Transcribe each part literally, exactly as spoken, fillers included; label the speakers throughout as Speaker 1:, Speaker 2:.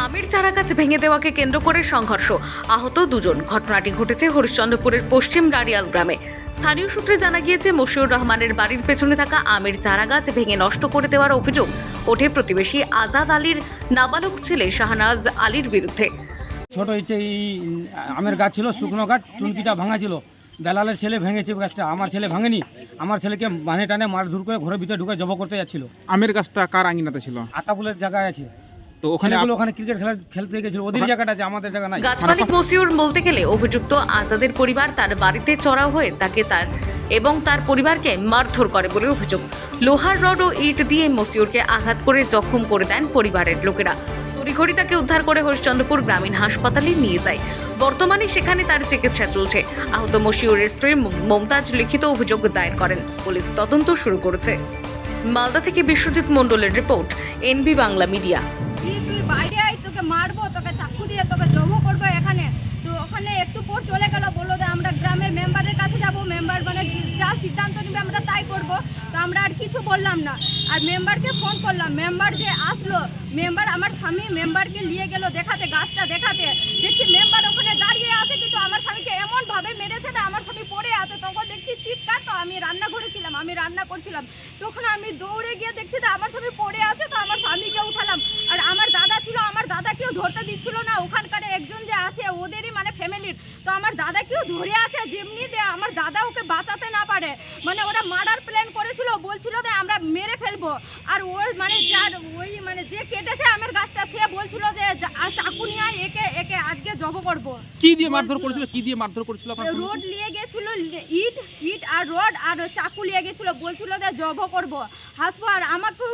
Speaker 1: আমের চারা গাছ ভেঙে দেওয়াকে কেন্দ্র করে সংঘর্ষ, আহত দুজন। ঘটনাটি ঘটেছে হরিশ্চন্দ্রপুরের পশ্চিম রাড়িয়াল গ্রামে। স্থানীয় সূত্রে জানা গিয়েছে, মশিউর রহমানের বাড়ির পেছনে থাকা আমের চারা গাছ ভেঙে নষ্ট করে দেওয়ার অভিযোগ ওঠে প্রতিবেশী আজাদ আলীর নাবালক ছেলে শাহনাজ আলীর বিরুদ্ধে।
Speaker 2: ছোট হচ্ছে এই আমের গাছ ছিল, শুকনো গাছ, টুনকিটা ভাঙা ছিল। দালালের ছেলে ভেঙেছে গাছটা, আমার ছেলে ভাঙেনি। আমার ছেলেকে মানে টানে মারধর করে ঘরের ভিতরে ঢুকে জব করতে যাচ্ছিল।
Speaker 3: আমের গাছটা কার আঙিনাতে ছিল?
Speaker 2: আতাপুলের জায়গায় আছে,
Speaker 3: তো ওখানে
Speaker 2: ওখানে ওখানে ক্রিকেট খেলা খেলতে গেছিল। ওদের জায়গাটা আছে, আমাদের জায়গা নাই।
Speaker 1: গাছ মালিক মশিউর বলতে গেলে অভিযুক্ত আজাদের পরিবার তার বাড়িতে চড়াও হয়ে তাকে তার এবং তার পরিবারকে মারধর করে বলে অভিযোগ। লোহার রড ও ইট দিয়ে মশিউরকে আঘাত করে জখম করে দেন পরিবারের লোকেরা। তড়িঘড়ি তাকে উদ্ধার করে হরিশ্চন্দ্রপুর গ্রামীণ হাসপাতালে নিয়ে যায়। বর্তমানে সেখানে তার চিকিৎসা চলছে। আহত মশিউরের স্ত্রী মমতাজ লিখিত অভিযোগ দায়ের করেন। পুলিশ তদন্ত শুরু করেছে। মালদা থেকে বিশ্বজিৎ মণ্ডলের রিপোর্ট, এনবি বাংলা মিডিয়া।
Speaker 4: তুই বাইরে আয়, তোকে মারবো, তোকে চাকু দিয়ে তোকে জমো করবো এখানে। তো ওখানে একটু পর চলে গেল, বললো যে আমরা গ্রামের মেম্বারের কাছে যাব, মেম্বার মানে যা সিদ্ধান্ত নেবে আমরা তাই করব। তো আমরা আর কিছু বললাম না। আর মেম্বারকে ফোন করলাম, মেম্বার যে আসলো, মেম্বার আমার স্বামী মেম্বারকে নিয়ে গেল দেখাতে, গাছটা দেখাতে। দেখছি মেম্বার ওখানে দাঁড়িয়ে আছে, কিন্তু আমার স্বামীকে এমনভাবে মেরেছে না, আমার স্বামী পড়ে আছে। তখন দেখছি চিৎকার, তো আমি রান্নাঘরে ছিলাম, আমি রান্না করছিলাম। তখন আমি দৌড়ে গিয়ে দেখছি যে আমার স্বামী পড়ে আছে। তো আমার স্বামীকে উঠালাম। আর আমার দাদা ছিল, আমার দাদাকেও ধরতে দিচ্ছিল না। ওখানকার একজন যে আছে ওদেরই মানে ফ্যামিলির, তো আমার দাদাকেও ধরে আছে, যেমনি যে আমার দাদা ওকে বাঁচাতে না পারে। মানে ওরা মার্ডার প্ল্যান করেছিল, বলছিল যে আমরা মেরে ফেলবো। আর ওই মানে যার ওই মানে যে কেটেছে আমার গাছটা, সে বলছিল যে চাকু নিয়ে একে একে আজকে জব করবো।
Speaker 3: কি দিয়ে মারধর করেছিল? কি দিয়ে মারধর করেছিল? আপনার
Speaker 4: রোড নিয়ে গেছিল, ইট ইট আর রড আর চাকু নিয়ে গেছিল, বলছিল যে জব করবো, হাসবো। আর আমাকেও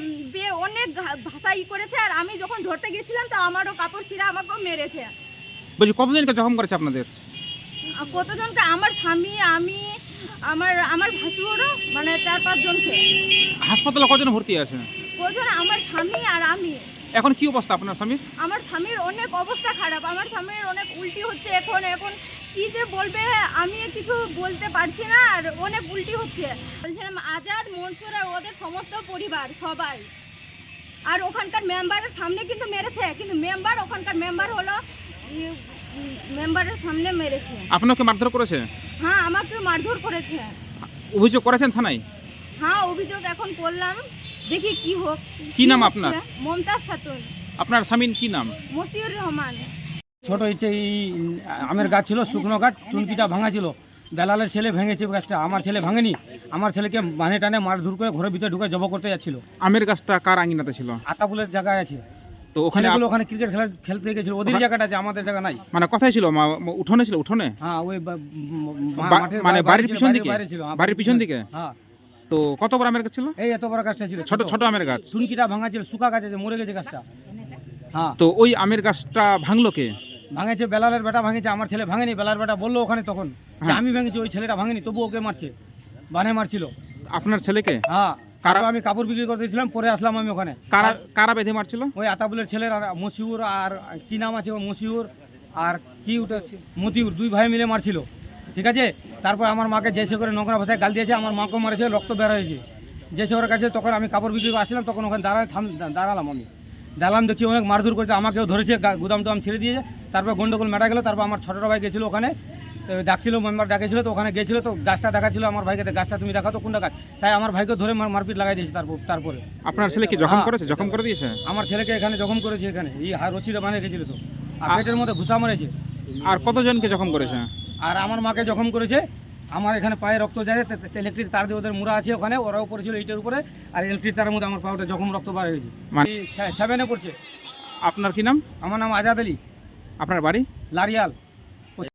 Speaker 4: অনেক ভাষা ই করেছে। আর আমি যখন ধরতে গেছিলাম, তো আমারও কাপড় ছিঁড়া আমাকেও মেরেছে।
Speaker 3: বলছি কতজনকে জখম করেছে আপনাদের?
Speaker 4: কতজনকে? আমার স্বামী, আমি, আমার আমার ভাসুরও, মানে চার পাঁচ জনকে।
Speaker 3: হাসপাতালে কজন ভর্তি আছে?
Speaker 4: কজন? আমার স্বামী আর আমি।
Speaker 3: এখন কি অবস্থা আপনার স্বামীর?
Speaker 4: আমার স্বামীর অনেক অবস্থা খারাপ। আমার স্বামীর অনেক উল্টি হচ্ছে এখন। এখন কি যে বলবে আমি কিছু বলতে পারছি না। আর অনেক উল্টি হচ্ছে। বলছিলাম আজাদ, মনসুর আর ওদের সমস্ত পরিবার সবাই। আর ওখানকার মেম্বারের সামনে কিন্তু মেরেছে, কিন্তু মেম্বার ওখানকার মেম্বার হলো মেম্বারের সামনে মেরেছে।
Speaker 3: আপনাকে মারধর করেছে?
Speaker 4: হ্যাঁ, আমাকে মারধর করেছে।
Speaker 3: অভিযোগ করেছেন থানায়?
Speaker 4: হ্যাঁ, অভিযোগ এখন করলাম, দেখি কি হোক।
Speaker 3: কি নাম আপনার?
Speaker 4: মমতাজ খাতুন।
Speaker 3: আপনার স্বামীর কি নাম?
Speaker 4: মশিউর রহমান।
Speaker 2: ছোট হচ্ছে এই আমের গাছ ছিল, শুকনো গাছ, টুনকিটা ভাঙা ছিল। দালালের ছেলে ভেঙেছে গাছটা, আমার ছেলে ভাঙেনি। আমার ছেলেকে মানে টানে মারধর করে ঘরের ভিতরে ঢুকে জব করতে যাচ্ছিল।
Speaker 3: আমের গাছটা কার আঙিনাতে ছিল?
Speaker 2: আতাপুলের জায়গায় আছে,
Speaker 3: তো ওখানে
Speaker 2: ওখানে ওখানে ক্রিকেট খেলা খেলতে গেছিল। ওদের জায়গাটা আছে, আমাদের জায়গা নাই।
Speaker 3: মানে কোথায় ছিল? উঠোনে ছিল? উঠোনে
Speaker 2: হ্যাঁ, ওই বা- মা-
Speaker 3: বা-
Speaker 2: মাঠের
Speaker 3: মানে
Speaker 2: বাইরে
Speaker 3: বাড়ির
Speaker 2: ছিল,
Speaker 3: পিছন
Speaker 2: বাইরে-
Speaker 3: দিকে?
Speaker 2: বাইরে ছিল, হ্যাঁ,
Speaker 3: বাড়ির পিছন দিকে?
Speaker 2: হ্যাঁ।
Speaker 3: তো কত বড় আমের গাছ ছিল?
Speaker 2: এই এত বড় গাছটা ছিল,
Speaker 3: ছোট ছোট আমের গাছ।
Speaker 2: টুনকিটা ভাঙা ছিল, শুকা গাছ আছে, মরে গেছে গাছটা। হ্যাঁ,
Speaker 3: তো ওই আমের গাছটা ভাঙলো কে?
Speaker 2: ভাঙেছে বেলালের বেটা ভাঙেছে, আমার ছেলে ভাঙেনি। বেলার বেটা বললো ওখানে তখন যে
Speaker 3: হ্যাঁ।
Speaker 2: আমি ভেঙেছি, ওই ছেলেটা ভাঙেনি, তবু ওকে মারছে, বানে মারছিল।
Speaker 3: আপনার ছেলেকে?
Speaker 2: হ্যাঁ,
Speaker 3: কারা-
Speaker 2: তারপর আমি কাপড় বিক্রি করতে দিয়েছিলাম, পরে আসলাম আমি ওখানে।
Speaker 3: কারা কারা বেঁধে মারছিল?
Speaker 2: ওই আতাবুলের ছেলের আর মশিউর আর কি নাম আছে, ও মশিউর আর কি ওটা মতিউর, দুই ভাই মিলে মারছিল। ঠিক আছে, তারপর আমার মাকে জেসে করে নোংরা ভাষায় গাল দিয়েছে, আমার মাকেও মারেছে, রক্ত বের হয়েছে। জেসে ওর কাছে তখন আমি কাপড় বিক্রি করে আসলাম, তখন ওখানে দাঁড়ায় থাম দাঁড়ালাম আমি দাঁড়ালাম, দেখছি অনেক মারধর করেছে, আমাকেও ধরেছে, গুদাম টুদাম ছেড়ে দিয়েছে। তারপর গন্ডগোল মেটা গেলো। তারপর আমার ছোটো ভাই গেছিলো ওখানে, তো ডাকছিল, মেম্বার ডাকেছিল, তো ওখানে গেছিলো, তো গাছটা দেখাচ্ছিল আমার ভাইকে, গাছটা তুমি দেখাও তো কোনটা গাছ। তাই আমার ভাইকে ধরে মার- মারপিট লাগাই দিয়েছে। তারপর তারপরে
Speaker 3: আপনার ছেলে কি জখম
Speaker 2: হ্যাঁ।
Speaker 3: করেছে? জখম করে দিয়েছে?
Speaker 2: আমার ছেলেকে এখানে জখম করেছে, এখানে এই রশিদে বানিয়ে রেখেছিল, তো আর
Speaker 3: আ-
Speaker 2: পেটের মধ্যে ঘুষা মারেছে।
Speaker 3: আর কতজনকে জখম করেছে?
Speaker 2: আর আমার মাকে জখম করেছে। আমার এখানে পায়ে রক্ত যায়, ইলেকট্রিক তার দিয়ে ওদের মুড়া আছে ওখানে, ওরাও পড়েছিল ইটের উপরে। আর ইলেকট্রিক তারের মধ্যে আমার পাউটা জখম, রক্ত বার হয়েছে।
Speaker 3: মানে-
Speaker 2: সেভেনে পড়ছে।
Speaker 3: আপনার কি নাম?
Speaker 2: আমার নাম আজাদ আলী,
Speaker 3: আপনার বাড়ি?
Speaker 2: লারিয়াল।